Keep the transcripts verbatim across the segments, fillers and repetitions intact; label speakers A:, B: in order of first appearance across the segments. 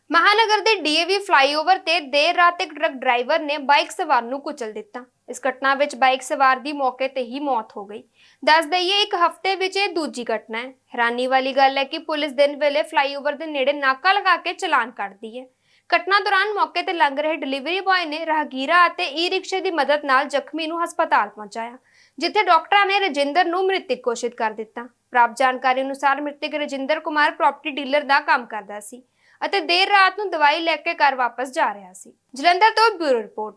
A: महानगर के DAV flyover ते देर रात एक ट्रक ड्राइवर ने बाइक सवार नूं कुचल दिता। इस घटना विच बाइक सवार की मौके ते ही मौत हो गई। दस दईए एक हफ्ते विच ये दूजी घटना है। हैरानी वाली गल है कि पुलिस दिन वेले फ्लाईओवर के नेड़े नाका लगा के चलान कटदी है। घटना दौरान मौके ते लंघ रहे डिलीवरी बॉय ने राहगीरा अते ई रिक्शे की मदद नाल जख्मी नूं हस्पताल पहुंचाया, जिथे डॉक्टरां ने रजिंदर नूं मृतक घोषित कर दिता। प्राप्त जानकारी अनुसार मृतक रजिंदर कुमार प्रॉपर्टी डीलर का काम करदा सी ਅਤੇ देर रात ਨੂੰ दवाई लेके घर वापस जा रहा सी। जलंधर तो ब्यूरो रिपोर्ट।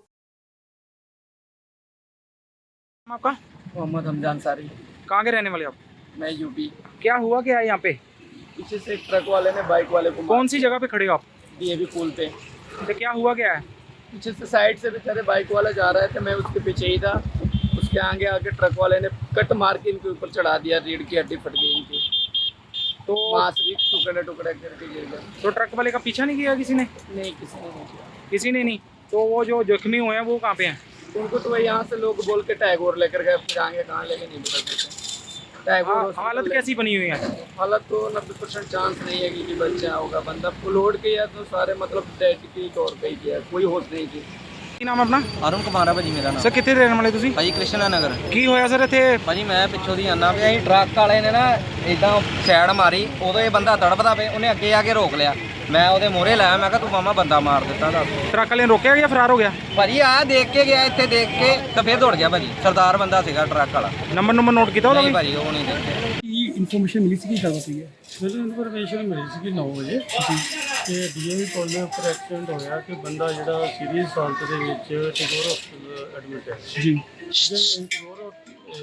B: आपका
C: मोहम्मद हमजान सारी।
B: कहाँ के रहने वाले आप?
C: मैं यूपी।
B: क्या हुआ क्या है यहाँ पे?
C: पीछे से एक ट्रक वाले ने बाइक वाले को
B: कौन सी जगह पे खड़े हो आप?
C: डीएवी पुल पे।
B: तो क्या हुआ क्या है?
C: पीछे से साइड से बेचारे बाइक वाला जा रहे थे, मैं उसके पीछे ही था। उसके आगे आगे ट्रक वाले ने कट मार के इनके ऊपर चढ़ा दिया, रीढ़ की हड्डी फट गई इनकी,
B: तो
C: मांस भी टुकड़े टुकड़े करके गिर गए।
B: तो ट्रक वाले का पीछा नहीं किया किसी ने?
C: नहीं, किसी ने नहीं किया।
B: किसी ने नहीं। तो वो जो जख्मी हुए हैं वो कहाँ पे हैं?
C: उनको तो वही यहाँ से लोग बोल के टैगोर लेकर गए, फिर आगे कहाँ लेके नहीं बता सकते। टैगोर
B: हा, हालत कैसी बनी हुई है?
C: हालत तो नब्बे परसेंट चांस नहीं है कि बच्चा होगा। बंदा लोड किया तो सारे मतलब डेड की तौर पे ही किया, कोई होश नहीं थी।
B: ਕੀ ਨਾਮ ਆਪਣਾ?
D: ਅਰੁਣ ਕੁਮਾਰ ਆ ਭਾਜੀ ਮੇਰਾ ਨਾਮ।
B: ਸਰ ਕਿੱਥੇ ਰਹਿਣ ਵਾਲੇ ਤੁਸੀਂ?
D: ਭਾਜੀ ਕ੍ਰਿਸ਼ਨਾ ਨਗਰ।
B: ਕੀ ਹੋਇਆ ਸਰ ਇੱਥੇ?
D: ਭਾਜੀ ਮੈਂ ਪਿੱਛੋਂ ਦੀ ਆਨਾ ਪਿਆ ਸੀ, ਟਰੱਕ ਵਾਲੇ ਨੇ ਨਾ ਇਦਾਂ ਸਾਈਡ ਮਾਰੀ, ਉਦੋਂ ਇਹ ਬੰਦਾ ਤੜਫਦਾ ਪਿਆ, ਉਹਨੇ ਅੱਗੇ ਆ ਕੇ ਰੋਕ ਲਿਆ। ਮੈਂ ਉਹਦੇ ਮੋਹਰੇ ਲਾਇਆ, ਮੈਂ ਕਿਹਾ ਤੂੰ ਮਾਮਾ ਬੰਦਾ ਮਾਰ ਦਿੱਤਾ ਦੱਸ।
B: ਟਰੱਕ ਵਾਲੇ ਨੇ ਰੋਕਿਆ ਜਾਂ ਫਰਾਰ ਹੋ ਗਿਆ?
D: ਭਾਜੀ ਆ ਦੇਖ ਕੇ ਗਿਆ, ਇੱਥੇ ਦੇਖ ਕੇ ਤਾਂ ਫਿਰ ਦੌੜ ਗਿਆ ਭਾਜੀ। ਸਰਦਾਰ ਬੰਦਾ ਸੀਗਾ ਟਰੱਕ ਵਾਲਾ।
B: ਨੰਬਰ ਨੰਬਰ ਨੋਟ ਕੀਤਾ ਉਹਦਾ?
D: ਨਹੀਂ ਭਾਜੀ ਉਹ ਨਹੀਂ ਦੇਖਿਆ।
E: ਕੀ ਇਨਫੋਰਮੇਸ਼ਨ ਮਿਲੀ ਸੀ ਕਿ ਗੱਲ ਹੋਈ ਹੈ?
F: ਮੈਨੂੰ ਇਨਫੋਰਮੇਸ਼ਨ ਮਿਲੀ ਸੀ ਕਿ ਨੌ ਵਜੇ ਕਿ ਡੀਏਵੀ ਪੁਲ ਦੇ ਉੱਪਰ ਐਕਸੀਡੈਂਟ ਹੋਇਆ ਕਿ ਬੰਦਾ ਜਿਹੜਾ ਸੀਰੀਅਸ ਹਾਲਤ ਦੇ ਵਿੱਚ ਟੈਗੋਰ ਹਸਪਤਾਲ ਐਡਮਿਟ ਹੈ ਜੀ। ਜਦੋਂ ਟੈਗੋਰ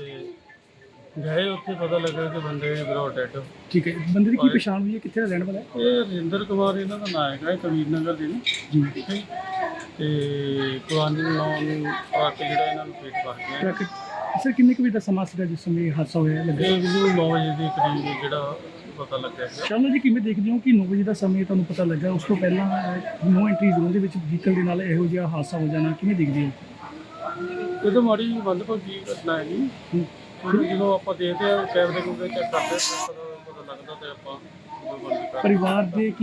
F: ਗਏ ਉੱਥੇ ਪਤਾ ਲੱਗਾ ਕਿ ਬੰਦੇ ਬਰੋ ਡੈਡ।
E: ਠੀਕ ਹੈ, ਬੰਦੇ ਦੀ ਕੀ ਪਛਾਣ ਹੋਈ ਹੈ, ਕਿੱਥੇ ਦਾ ਰਹਿਣ ਵਾਲਾ ਹੈ?
F: ਇਹ ਰਜਿੰਦਰ ਕੁਮਾਰ ਇਹਨਾਂ ਦਾ ਨਾਮ ਹੈਗਾ, ਇਹ ਕਬੀਰ ਨਗਰ ਦੇ ਨੇ ਜੀ। ਠੀਕ ਹੈ, ਤੇ ਕੁਆਨੀ ਨਾਮ ਨੂੰ ਆ ਕੇ ਜਿਹੜਾ ਇਹਨਾਂ ਨੂੰ ਪੇਟ ਕਰ ਗਿਆ।
E: ਟਰੱਕ ਸਰ ਕਿੰਨੇ ਕੁ ਵਜੇ ਦਾ ਸਮਾਂ ਸੀਗਾ ਜਿਸ ਸਮੇਂ ਇਹ ਹਾਦਸਾ ਹੋਇਆ ਲੱਗਾ?
F: ਇਹ ਮੈਨੂੰ ਨੌ ਵਜੇ ਦੇ ਕਰੀਬ ਜਿਹੜਾ ਪਤਾ ਲੱਗਿਆ ਸੀ।
E: ਸ਼ਾਮ ਨੂੰ ਜੀ ਕਿਵੇਂ ਦੇਖਦੇ ਹੋ ਕਿ ਨੌ ਵਜੇ ਦਾ ਸਮੇਂ ਤੁਹਾਨੂੰ ਪਤਾ ਲੱਗਾ, ਉਸ ਤੋਂ ਪਹਿਲਾਂ ਨੋ ਐਂਟਰੀ ਜ਼ੋਨ ਦੇ ਵਿੱਚ ਵਹੀਕਲ ਦੇ ਨਾਲ ਇਹੋ ਜਿਹਾ ਹਾਦਸਾ ਹੋ ਜਾਣਾ ਕਿਵੇਂ ਦੇਖਦੇ ਹੋ?
F: ਇਹ ਤਾਂ ਮਾੜੀ ਮੰਦਭਾਗੀ ਘਟਨਾ ਹੈਗੀ। ਹੁਣ ਜਦੋਂ ਆਪਾਂ ਦੇਖਦੇ ਹਾਂ ਕੈਮਰੇ ਨੂੰ ਚੈੱਕ ਕਰਦੇ ਹਾਂ ਪਤਾ ਲੱਗਦਾ ਤੇ ਆਪਾਂ ਜੋ ਬਣਦੀ ਕਰ
E: ਪਰਿਵਾਰ ਦੇ